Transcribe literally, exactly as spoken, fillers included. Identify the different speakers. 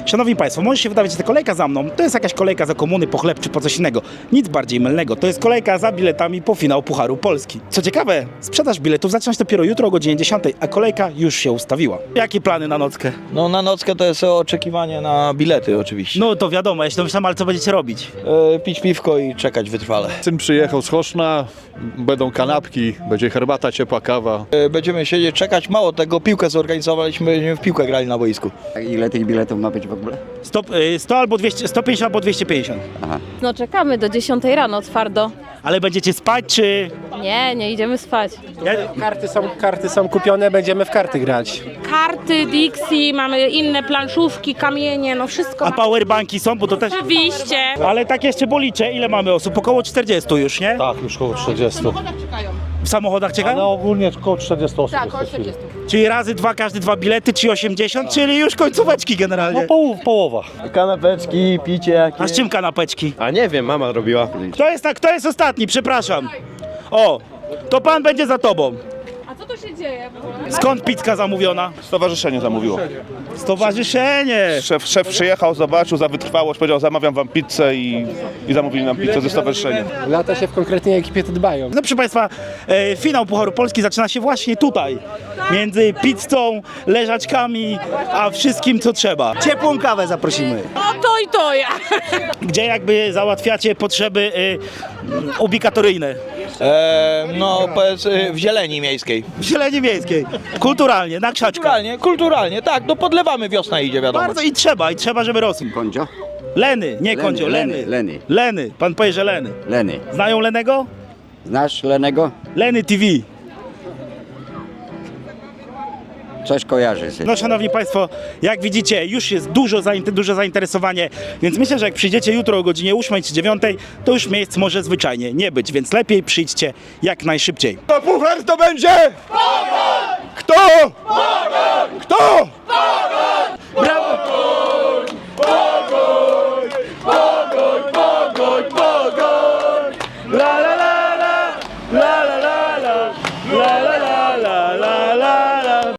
Speaker 1: Szanowni Państwo, może się wydawać, że ta kolejka za mną to jest jakaś kolejka za komuny, po chleb czy po coś innego. Nic bardziej mylnego. To jest kolejka za biletami po finał Pucharu Polski. Co ciekawe, sprzedaż biletów zaczyna się dopiero jutro o godzinie dziesiątej, a kolejka już się ustawiła. Jakie plany na nockę?
Speaker 2: No na nockę to jest oczekiwanie na bilety oczywiście.
Speaker 1: No to wiadomo, ja się domyślam, ale co będziecie robić?
Speaker 2: E, pić piwko i czekać wytrwale.
Speaker 3: Syn przyjechał z Choszna, będą kanapki, będzie herbata, ciepła kawa.
Speaker 2: E, będziemy siedzieć, czekać. Mało tego, piłkę zorganizowaliśmy, będziemy w piłkę grali na boisku.
Speaker 4: A ile tych biletów ma być w ogóle?
Speaker 1: sto, sto albo dwieście, sto pięćdziesiąt albo dwieście pięćdziesiąt.
Speaker 5: No czekamy do dziesiątej rano twardo.
Speaker 1: Ale będziecie spać czy...
Speaker 5: Nie, nie idziemy spać.
Speaker 1: Ja...
Speaker 6: Karty są, karty są kupione, będziemy w karty grać.
Speaker 7: Karty, Dixie, mamy inne planszówki, kamienie, no wszystko.
Speaker 1: A powerbanki są, bo to też...
Speaker 7: Oczywiście.
Speaker 1: Ale tak jeszcze policzę, ile mamy osób? Około czterdziestu już, nie?
Speaker 8: Tak, już koło czterdziestu.
Speaker 1: W samochodach czeka?
Speaker 8: Ale ogólnie około czterdziestu osób. Tak,
Speaker 1: Czyli razy dwa, każdy dwa bilety, czyli osiemdziesiąt, czyli już końcóweczki generalnie.
Speaker 8: No poł połowa.
Speaker 2: Kanapeczki, picie jakieś.
Speaker 1: A z czym kanapeczki?
Speaker 9: A nie wiem, mama robiła.
Speaker 1: Kto jest, kto jest ostatni? Przepraszam. O, to pan będzie za tobą.
Speaker 7: A co to się dzieje w ogóle?
Speaker 1: Skąd pizzka zamówiona?
Speaker 9: Stowarzyszenie zamówiło.
Speaker 1: Stowarzyszenie.
Speaker 9: Szef, szef przyjechał, zobaczył za wytrwałość, powiedział zamawiam wam pizzę i, i zamówili nam pizzę ze stowarzyszeniem.
Speaker 6: Lata się w konkretnej ekipie to dbają.
Speaker 1: No proszę Państwa, e, finał Pucharu Polski zaczyna się właśnie tutaj. Między pizzą, leżaczkami, a wszystkim co trzeba. Ciepłą kawę zaprosimy.
Speaker 7: O, to i to ja.
Speaker 1: Gdzie jakby załatwiacie potrzeby e, ubikatoryjne.
Speaker 2: E, no powiedz, e, w zieleni miejskiej.
Speaker 1: W zieleni miejskiej. Kulturalnie, na krzaczkach.
Speaker 2: Kulturalnie, kulturalnie, tak, no podlewamy, wiosna idzie, wiadomo.
Speaker 1: Bardzo i trzeba, i trzeba, żeby rosły.
Speaker 4: Kondzio?
Speaker 1: Leny, nie
Speaker 4: Leny,
Speaker 1: Kondzio, Leny.
Speaker 4: Leny, Leny.
Speaker 1: Leny, pan powie, że Leny.
Speaker 4: Leny.
Speaker 1: Znają Lenego?
Speaker 4: Znasz Lenego?
Speaker 1: Leny T V.
Speaker 4: Coś kojarzy się.
Speaker 1: No szanowni Państwo, jak widzicie, już jest dużo, zainter- duże zainteresowanie, więc myślę, że jak przyjdziecie jutro o godzinie ósmej czy dziewiątej, to już miejsc może zwyczajnie nie być, więc lepiej przyjdźcie jak najszybciej.
Speaker 9: To puchar to będzie! Kto? Kto?
Speaker 1: Brawo!
Speaker 9: Pogoń, pogoń, pogoń! La